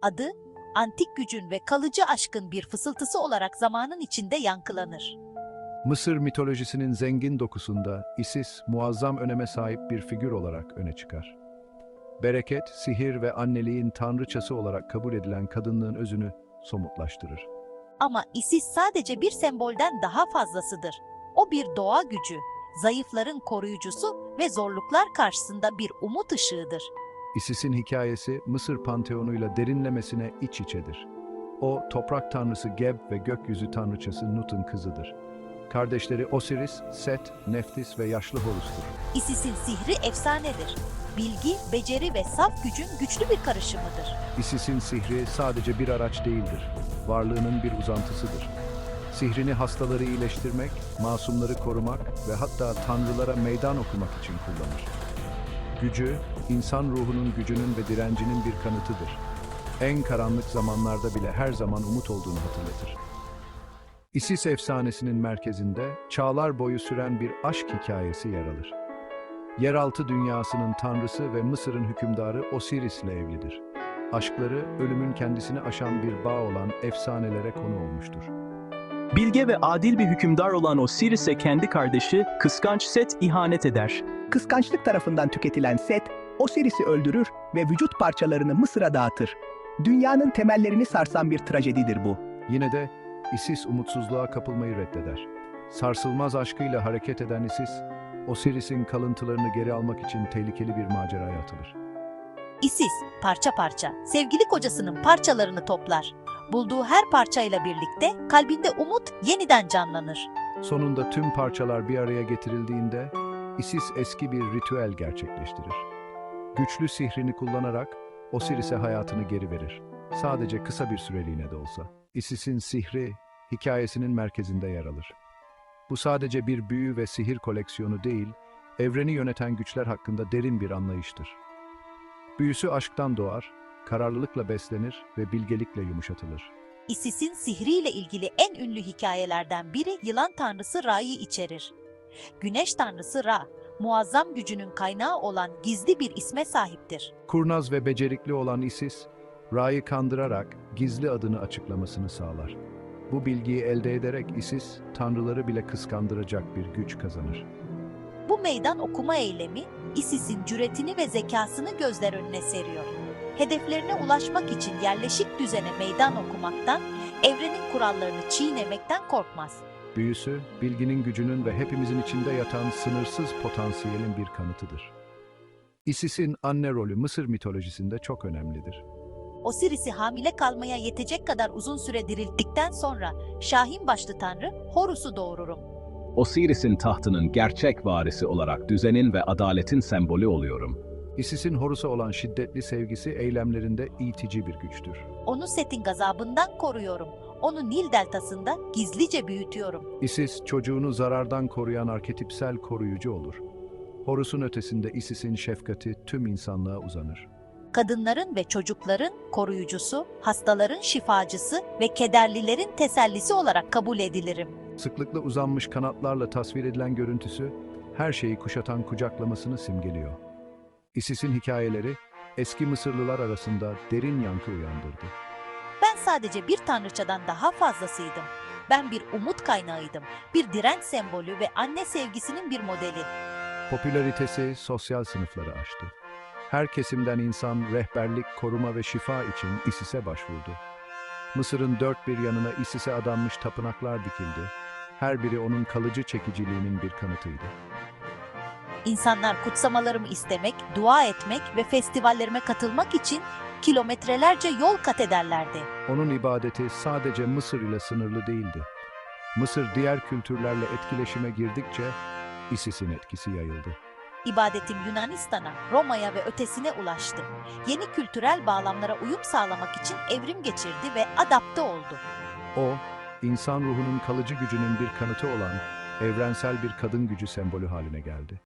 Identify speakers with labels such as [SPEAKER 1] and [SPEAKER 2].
[SPEAKER 1] Adı, antik gücün ve kalıcı aşkın bir fısıltısı olarak zamanın içinde yankılanır.
[SPEAKER 2] Mısır mitolojisinin zengin dokusunda Isis muazzam öneme sahip bir figür olarak öne çıkar. Bereket, sihir ve anneliğin tanrıçası olarak kabul edilen kadınlığın özünü somutlaştırır.
[SPEAKER 1] Ama Isis sadece bir sembolden daha fazlasıdır. O bir doğa gücü, zayıfların koruyucusu ve zorluklar karşısında bir umut ışığıdır.
[SPEAKER 2] Isis'in hikayesi Mısır panteonuyla derinlemesine iç içedir. O, toprak tanrısı Geb ve gökyüzü tanrıçası Nut'un kızıdır. Kardeşleri Osiris, Set, Neftis ve yaşlı Horus'tur.
[SPEAKER 1] Isis'in sihri efsanedir. Bilgi, beceri ve saf gücün güçlü bir karışımıdır.
[SPEAKER 2] Isis'in sihri sadece bir araç değildir, varlığının bir uzantısıdır. Sihrini hastaları iyileştirmek, masumları korumak ve hatta tanrılara meydan okumak için kullanır. Gücü, insan ruhunun gücünün ve direncinin bir kanıtıdır. En karanlık zamanlarda bile her zaman umut olduğunu hatırlatır. Isis efsanesinin merkezinde çağlar boyu süren bir aşk hikayesi yer alır. Yeraltı dünyasının tanrısı ve Mısır'ın hükümdarı Osiris ile evlidir. Aşkları, ölümün kendisini aşan bir bağ olan efsanelere konu olmuştur.
[SPEAKER 3] Bilge ve adil bir hükümdar olan Osiris'e kendi kardeşi, kıskanç Set ihanet eder.
[SPEAKER 4] Kıskançlık tarafından tüketilen Set, Osiris'i öldürür ve vücut parçalarını Mısır'a dağıtır. Dünyanın temellerini sarsan bir trajedidir bu.
[SPEAKER 2] Yine de Isis umutsuzluğa kapılmayı reddeder. Sarsılmaz aşkıyla hareket eden Isis, Osiris'in kalıntılarını geri almak için tehlikeli bir maceraya atılır.
[SPEAKER 1] Isis, parça parça, sevgili kocasının parçalarını toplar. Bulduğu her parçayla birlikte kalbinde umut yeniden canlanır.
[SPEAKER 2] Sonunda tüm parçalar bir araya getirildiğinde Isis eski bir ritüel gerçekleştirir. Güçlü sihrini kullanarak Osiris'e hayatını geri verir. Sadece kısa bir süreliğine de olsa. Isis'in sihri hikayesinin merkezinde yer alır. Bu sadece bir büyü ve sihir koleksiyonu değil, evreni yöneten güçler hakkında derin bir anlayıştır. Büyüsü aşktan doğar, kararlılıkla beslenir ve bilgelikle yumuşatılır.
[SPEAKER 1] Isis'in sihriyle ilgili en ünlü hikayelerden biri yılan tanrısı Ra'yı içerir. Güneş tanrısı Ra, muazzam gücünün kaynağı olan gizli bir isme sahiptir.
[SPEAKER 2] Kurnaz ve becerikli olan Isis, Ra'yı kandırarak gizli adını açıklamasını sağlar. Bu bilgiyi elde ederek Isis, tanrıları bile kıskandıracak bir güç kazanır.
[SPEAKER 1] Bu meydan okuma eylemi, Isis'in cüretini ve zekasını gözler önüne seriyor. Hedeflerine ulaşmak için yerleşik düzene meydan okumaktan, evrenin kurallarını çiğnemekten korkmaz.
[SPEAKER 2] Büyüsü, bilginin gücünün ve hepimizin içinde yatan sınırsız potansiyelin bir kanıtıdır. Isis'in anne rolü Mısır mitolojisinde çok önemlidir.
[SPEAKER 1] Osiris'i hamile kalmaya yetecek kadar uzun süre dirilttikten sonra Şahin başlı tanrı Horus'u doğururum.
[SPEAKER 5] Osiris'in tahtının gerçek varisi olarak düzenin ve adaletin sembolü oluyorum.
[SPEAKER 2] Isis'in Horus'a olan şiddetli sevgisi eylemlerinde itici bir güçtür.
[SPEAKER 1] Onu Set'in gazabından koruyorum. Onu Nil deltasında gizlice büyütüyorum.
[SPEAKER 2] Isis, çocuğunu zarardan koruyan arketipsel koruyucu olur. Horus'un ötesinde Isis'in şefkati tüm insanlığa uzanır.
[SPEAKER 1] Kadınların ve çocukların koruyucusu, hastaların şifacısı ve kederlilerin tesellisi olarak kabul edilirim.
[SPEAKER 2] Sıklıkla uzanmış kanatlarla tasvir edilen görüntüsü, her şeyi kuşatan kucaklamasını simgeliyor. Isis'in hikayeleri, eski Mısırlılar arasında derin yankı uyandırdı.
[SPEAKER 1] Ben sadece bir tanrıçadan daha fazlasıydım. Ben bir umut kaynağıydım, bir direnç sembolü ve anne sevgisinin bir modeli.
[SPEAKER 2] Popülaritesi sosyal sınıfları aştı. Her kesimden insan rehberlik, koruma ve şifa için Isis'e başvurdu. Mısır'ın dört bir yanına Isis'e adanmış tapınaklar dikildi. Her biri onun kalıcı çekiciliğinin bir kanıtıydı.
[SPEAKER 1] İnsanlar kutsamalarımı istemek, dua etmek ve festivallerime katılmak için kilometrelerce yol kat ederlerdi.
[SPEAKER 2] Onun ibadeti sadece Mısır ile sınırlı değildi. Mısır diğer kültürlerle etkileşime girdikçe Isis'in etkisi yayıldı.
[SPEAKER 1] İbadetim Yunanistan'a, Roma'ya ve ötesine ulaştı. Yeni kültürel bağlamlara uyum sağlamak için evrim geçirdi ve adapte oldu.
[SPEAKER 2] O, insan ruhunun kalıcı gücünün bir kanıtı olan evrensel bir kadın gücü sembolü haline geldi.